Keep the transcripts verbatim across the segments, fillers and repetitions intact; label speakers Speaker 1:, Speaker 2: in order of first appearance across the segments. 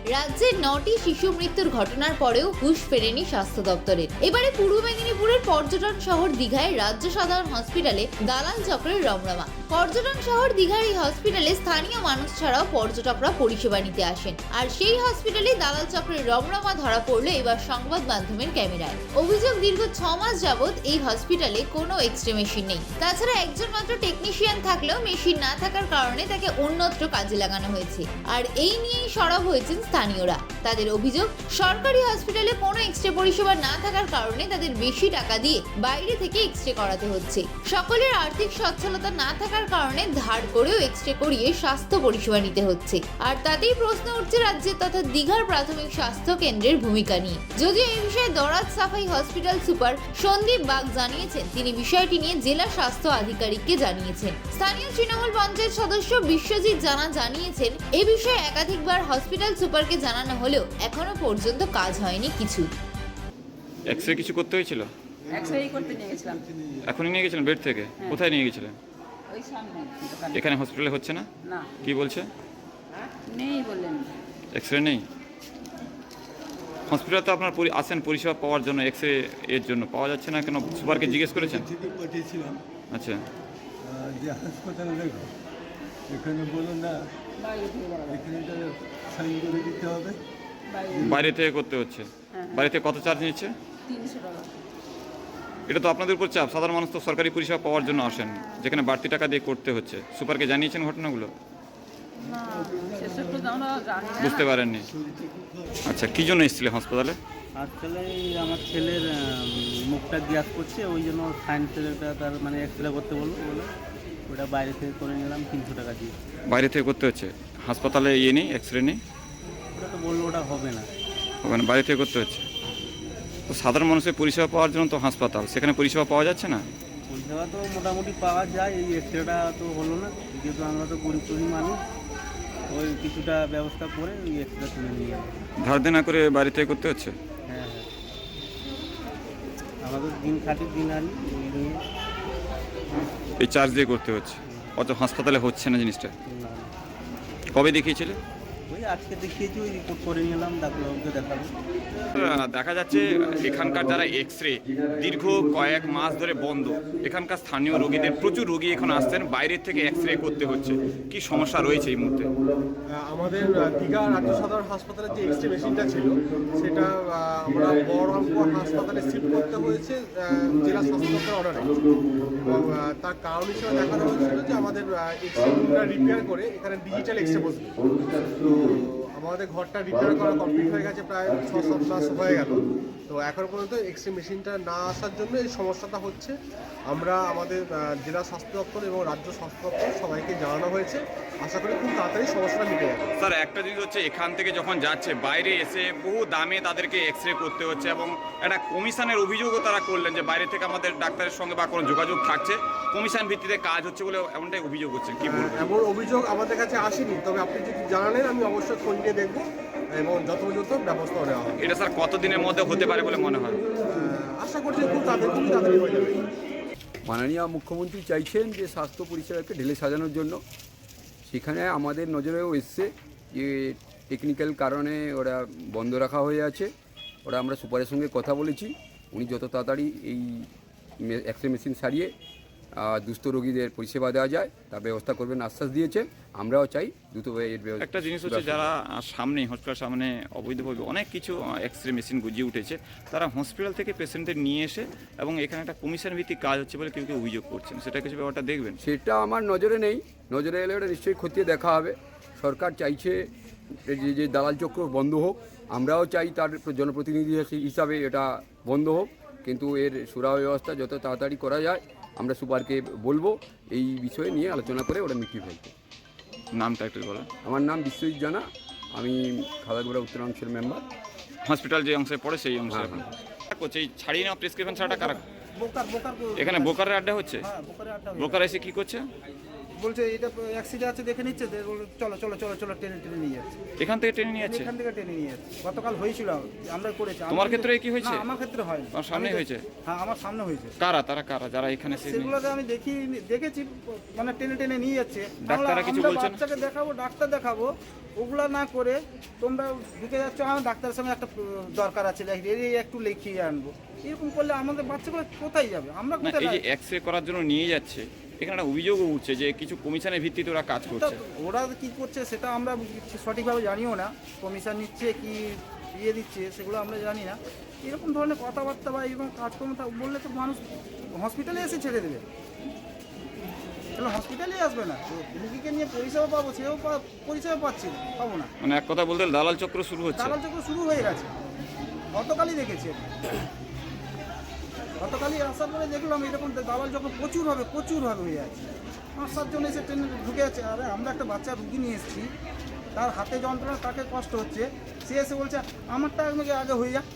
Speaker 1: রাজ্যে নটি শিশু মৃত্যুর ঘটনার পরেও হুঁশ ফেরেনি স্বাস্থ্য দপ্তরের। এবারে পূর্ব মেদিনীপুরের পর্যটন শহর দীঘায় রাজ্য সাধারণ হসপিটালে দালাল চক্রের রমরমা। পর্যটন শহর দীঘার এই হসপিটালে স্থানীয় মানুষ ছাড়াও পর্যটকরা পরিষেবা নিতে আসেন, আর সেই হসপিটালে দালাল চক্রের রমরমা ধরা পড়লো এবার সংবাদ মাধ্যমের ক্যামেরায়। অভিযোগ, দীর্ঘ ছ মাস যাবৎ এই হসপিটালে কোনো এক্সরে মেশিন নেই। তাছাড়া একজন মাত্র টেকনিশিয়ান থাকলেও মেশিন না থাকার কারণে তাকে অন্যত্র কাজে লাগানো হয়েছে। আর এই নিয়েই সরব হয়েছেন স্থানীয়রা। তাদের অভিযোগ, সরকারি হসপিটালে কোনো এক্সরে পরিষেবা না থাকার কারণে তাদের বেশি টাকা দিয়ে বাইরে থেকে এক্সরে করাতে হচ্ছে। সকলের আর্থিক সচ্ছলতা না থাকার কারণে ধার করেও এক্সরে করিয়ে স্বাস্থ্য পরিষেবা নিতে হচ্ছে। আর তাতেই প্রশ্ন উঠছে রাজ্যের তথা দীঘার প্রাথমিক স্বাস্থ্য কেন্দ্রের ভূমিকা নিয়ে। যদিও এই বিষয়ে দরাজ সাফাই হসপিটাল সুপার সন্দীপ বাগ জানিয়েছেন, তিনি বিষয়টি নিয়ে জেলা স্বাস্থ্য আধিকারিককে জানিয়েছেন। স্থানীয় তৃণমূল পঞ্চায়েত সদস্য বিশ্বজিৎ জানা জানিয়েছেন, এ বিষয়ে একাধিকবার হসপিটাল সুপারকে জানানো হলেও এখনো পর্যন্ত কাজ হয়নি কিছু।
Speaker 2: এক্সরে কিছু করতে হয়েছিল?
Speaker 3: এক্সরে করতে নিয়ে গেছিলাম।
Speaker 2: এখনই নিয়ে গেছিলেন বেড থেকে? কোথায় নিয়ে গেছিলেন?
Speaker 3: ওই সামনে দোকানে।
Speaker 2: এখানে হসপিটালে হচ্ছে না?
Speaker 3: না,
Speaker 2: কি বলছে?
Speaker 3: নেই বললেন।
Speaker 2: এক্সরে নেই? হসপিটালে তো আপনার পরি- আসেন পরিষেবা পাওয়ার জন্য, এক্সরে এর জন্য পাওয়া যাচ্ছে না কেন? সুপারকে জিজ্ঞেস করেছেন?
Speaker 4: থেকে পাঠিয়েছিলাম
Speaker 2: আচ্ছা,
Speaker 4: আহ, যে হাসপাতালে দেখো, এখানে বলো না,
Speaker 3: বাইরে থেকে বলা যায়।
Speaker 4: এখানে সাইন করে দিতে হবে।
Speaker 3: বাইরে
Speaker 2: বাইরে থেকে করতে হচ্ছে। বাইরে থেকে কত চার্জ নিচ্ছে?
Speaker 3: তিনশো টাকা।
Speaker 2: এটা তো আপনাদের উপর চাপ। সাধারণ মানুষ তো সরকারি পরিষেবা পাওয়ার জন্য আসেন, যেখানে বাড়তি টাকা দিয়ে করতে হচ্ছে। সুপারকে জানিয়েছেন ঘটনাগুলো?
Speaker 3: না, সেসব তো আমরা জানি না।
Speaker 2: বুঝতে পারেননি? আচ্ছা, কী জন্য এসেছিলেন হাসপাতালে?
Speaker 5: আসলে আমার ছেলের আহ, মুখটা গ্যাস করছে, ওই জন্য সায়েন্সের একটা তার মানে এক্সরে করতে বললো বলে ওটা বাইরে থেকে করে নিলাম তিনশো টাকা দিয়ে।
Speaker 2: বাইরে থেকে করতে হচ্ছে? হাসপাতালে ইয়ে নেই, এক্সরে নেই?
Speaker 5: ওটা তো বললো ওটা হবে না।
Speaker 2: ওখানে বাইরে থেকে করতে হচ্ছে। তো সাধারণ মানুষের পরিষেবা পাওয়ার জন্য তো হাসপাতাল, সেখানে পরিষেবা পাওয়া যাচ্ছে না?
Speaker 5: পরিষেবা তো মোটামুটি পাওয়া যায়, এই এক্সরেটা তো হলো না, যেহেতু আমরা তো গরিব গরিব মানুষ, ওই কিছুটা ব্যবস্থা করে ওই এক্সরে তুলে নিয়ে যাবো।
Speaker 2: ধার দেনা করে বাইরে থেকে করতে হচ্ছে?
Speaker 5: হ্যাঁ হ্যাঁ, আমাদের দিন খাটি দিন আনি ওই নিয়ে।
Speaker 2: এই চার্জ দিয়ে করতে হচ্ছে, অত হাসপাতালে হচ্ছে না জিনিসটা।
Speaker 5: না,
Speaker 2: কবে দেখিয়েছিলে?
Speaker 5: ওই আজকে দেখিয়েছি, ওই রিপোর্ট করে নিলাম, ডাক্তারবাবুকে দেখাবো।
Speaker 2: দেখা যাচ্ছে এখানকার যারা এক্সরে দীর্ঘ কয়েক মাস ধরে বন্ধ। এখানকার স্থানীয় রোগীদের প্রচুর রোগী এখন আসছেন, বাইরের থেকে এক্সরে করতে হচ্ছে। কি সমস্যা রয়েছে এই মুহূর্তে?
Speaker 6: আমাদের দীঘা রাজ্য সাধারণ হাসপাতালের যে এক্সরে মেশিনটা ছিল সেটা আহ, আমরা বহরমপুর হাসপাতালে শিফট করতে হয়েছে আহ, জেলা স্বাস্থ্য দপ্তরের অর্ডারে। এবং আহ, তার কারণ হিসেবে দেখানো হয়েছিল যে আমাদের এক্সরে রুমটা রিপেয়ার করে এখানে ডিজিটাল এক্সরে বসবে। তো আমাদের ঘরটা রিপেয়ার করা কমপ্লিট হয়ে গেছে, প্রায় ছ সাত মাস হয়ে গেল। তো এখন পর্যন্ত এক্সরে মেশিনটা না আসার জন্য এই সমস্যাটা হচ্ছে। আমরা আমাদের আহ, জেলা স্বাস্থ্য দপ্তর এবং রাজ্য স্বাস্থ্য দপ্তর সবাইকে জানানো হয়েছে, আশা করি খুব তাড়াতাড়ি সমস্যাটা মিটে যাবে।
Speaker 2: স্যার, একটা জিনিস হচ্ছে এখান থেকে যখন যাচ্ছে বাইরে এসে বহু দামে তাদেরকে এক্সরে করতে হচ্ছে, এবং একটা কমিশনের অভিযোগও তারা করলেন যে বাইরে থেকে আমাদের ডাক্তারের সঙ্গে বা কোনো যোগাযোগ থাকছে, কমিশন ভিত্তিতে কাজ হচ্ছে বলে এমনটাই অভিযোগ হচ্ছে। কি বলবো?
Speaker 6: এমন অভিযোগ আমাদের কাছে আসেনি, তবে আপনি যদি জানালেন আমি অবশ্যই খোঁজ নিয়ে দেখবো এবং যথাযথ ব্যবস্থা নেওয়া হবে।
Speaker 2: এটা স্যার কতদিনের মধ্যে হতে পারে বলে মনে হয়?
Speaker 6: আহ, আশা করছি খুব তাড়াতাড়ি খুব তাড়াতাড়ি হয়ে যাবে।
Speaker 7: মাননীয় মুখ্যমন্ত্রী চাইছেন যে স্বাস্থ্য পরিষেবাকে ঢেলে সাজানোর জন্য। সেখানে আমাদের নজরেও এসছে যে টেকনিক্যাল কারণে ওরা বন্ধ রাখা হয়ে আছে। ওরা আমরা সুপারের সঙ্গে কথা বলেছি, উনি যত তাড়াতাড়ি এই এক্সরে মেশিন সারিয়ে আহ, দুস্থ রোগীদের পরিষেবা দেওয়া যায় তার ব্যবস্থা করবেন আশ্বাস দিয়েছেন। আমরাও চাই দ্রুত এর ব্যবস্থা।
Speaker 2: একটা জিনিস হচ্ছে যারা সামনে হসপিটাল সামনে অবৈধভাবে অনেক কিছু এক্সরে মেশিন গুজিয়ে উঠেছে, তারা হসপিটাল থেকে পেশেন্টদের নিয়ে এসে এবং এখানে একটা কমিশন ভিত্তিক কাজ হচ্ছে বলে কেউ কেউ অভিযোগ করছেন, সেটা কিছু ব্যাপারটা দেখবেন?
Speaker 7: সেটা আমার নজরে নেই, নজরে এলে ওটা নিশ্চয়ই খতিয়ে দেখা হবে। সরকার চাইছে যে যে দালাল চক্র বন্ধ হোক, আমরাও চাই তার জনপ্রতিনিধি হিসাবে এটা বন্ধ হোক, কিন্তু এর সুরাহ ব্যবস্থা যত তাড়াতাড়ি করা যায় আমরা সুপারকে বলবো এই বিষয়ে নিয়ে আলোচনা করে ওটা মিটিয়ে ফেলতে।
Speaker 2: নামটা একটু বলেন।
Speaker 7: আমার নাম বিশ্বজিৎ জানা, আমি খাদাগুড়া উত্তরাংশের মেম্বার।
Speaker 2: হসপিটাল যে অংশে পড়ে সেই অংশে এখন করছে এই ছাড়িয়ে নেওয়া প্রেসক্রিপশন ছাড়াটা কারা? এখানে বোকারের আড্ডা হচ্ছে? বোকার এসে কি করছে?
Speaker 8: বলছে এটা অ্যাক্সিডেন্ট আছে দেখে নিচ্ছে, দিয়ে বললো, চলো চলো চলো চলো টেনে টেনে নিয়ে যাচ্ছে।
Speaker 2: এখান থেকে ট্রেনে নিয়ে যাচ্ছে?
Speaker 8: এখান থেকে টেনে নিয়ে যাচ্ছে। গতকাল হয়েছিল, আমরা করেছি। আমি
Speaker 2: তোমার
Speaker 8: কিন্তু-
Speaker 2: ক্ষেত্রে কি হয়েছে?
Speaker 8: না, আমার ক্ষেত্রে হয়নি।
Speaker 2: তোমার সামনে
Speaker 8: আমি তো-
Speaker 2: হয়েছে?
Speaker 8: হ্যাঁ, আমার সামনে হয়েছে।
Speaker 2: কারা তারা কারা যারা এখানে এসে নিয়ে-
Speaker 8: সেগুলোতে আমি দেখি দেখেছি, মানে টেনে টেনে নিয়ে যাচ্ছে।
Speaker 2: ডাক্তাররা
Speaker 8: আমরা-
Speaker 2: কিছু
Speaker 8: আমরা
Speaker 2: বলছে না?
Speaker 8: বাচ্চাকে দেখাবো, ডাক্তার দেখাবো, ওগুলা না করে তোমরা ঢুকে যাচ্ছ, আমার ডাক্তারের সঙ্গে একটা দরকার আছে, এই একটু লিখিয়ে আনবো। এরকম করলে আমাদের বাচ্চাগুলো কোথায় যাবে? আমরা
Speaker 2: না,
Speaker 8: কোথায়
Speaker 2: এই যে
Speaker 8: যাবো?
Speaker 2: এক্স রে করার জন্য নিয়ে যাচ্ছে, এখানে একটা অভিযোগও উঠছে যে কিছু কমিশনের ভিত্তিতে ওরা কাজ
Speaker 8: তা
Speaker 2: করছে।
Speaker 8: ওরা কি করছে সেটা আমরা সঠিকভাবে জানিও না। কমিশন নিচ্ছে কি ইয়ে দিচ্ছে সেগুলো আমরা জানি না। এরকম ধরনের কথাবার্তা বা এরকম কাজকর্ম তা বললে তো মানুষ হসপিটালে এসে ছেড়ে দেবে, তাহলে হসপিটালে আসবে না। তো রুগীকে নিয়ে পরিষেবা পাবো, সেও পা- পরিষেবা পাচ্ছি না, পাবো না।
Speaker 2: মানে এক কথা বলতে দালাল চক্র শুরু হচ্ছে।
Speaker 8: দালাল চক্র শুরু হয়ে গেছে, গতকালই দেখেছি আমি। গতকালই আসার পরে দেখলাম এরকম দালাল চক্র প্রচুর হবে প্রচুর হবে হয়ে আছে। পাঁচ সাতজন এসে ট্রেনে ঢুকে আছে। আরে আমরা একটা বাচ্চা রুগী নিয়ে এসেছি, তার হাতে যন্ত্রণা, তাকে কষ্ট হচ্ছে, সে এসে বলছে আমারটা আমাকে আগে হয়ে যাক।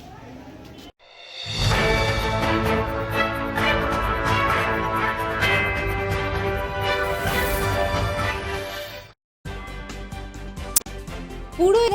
Speaker 1: পুরো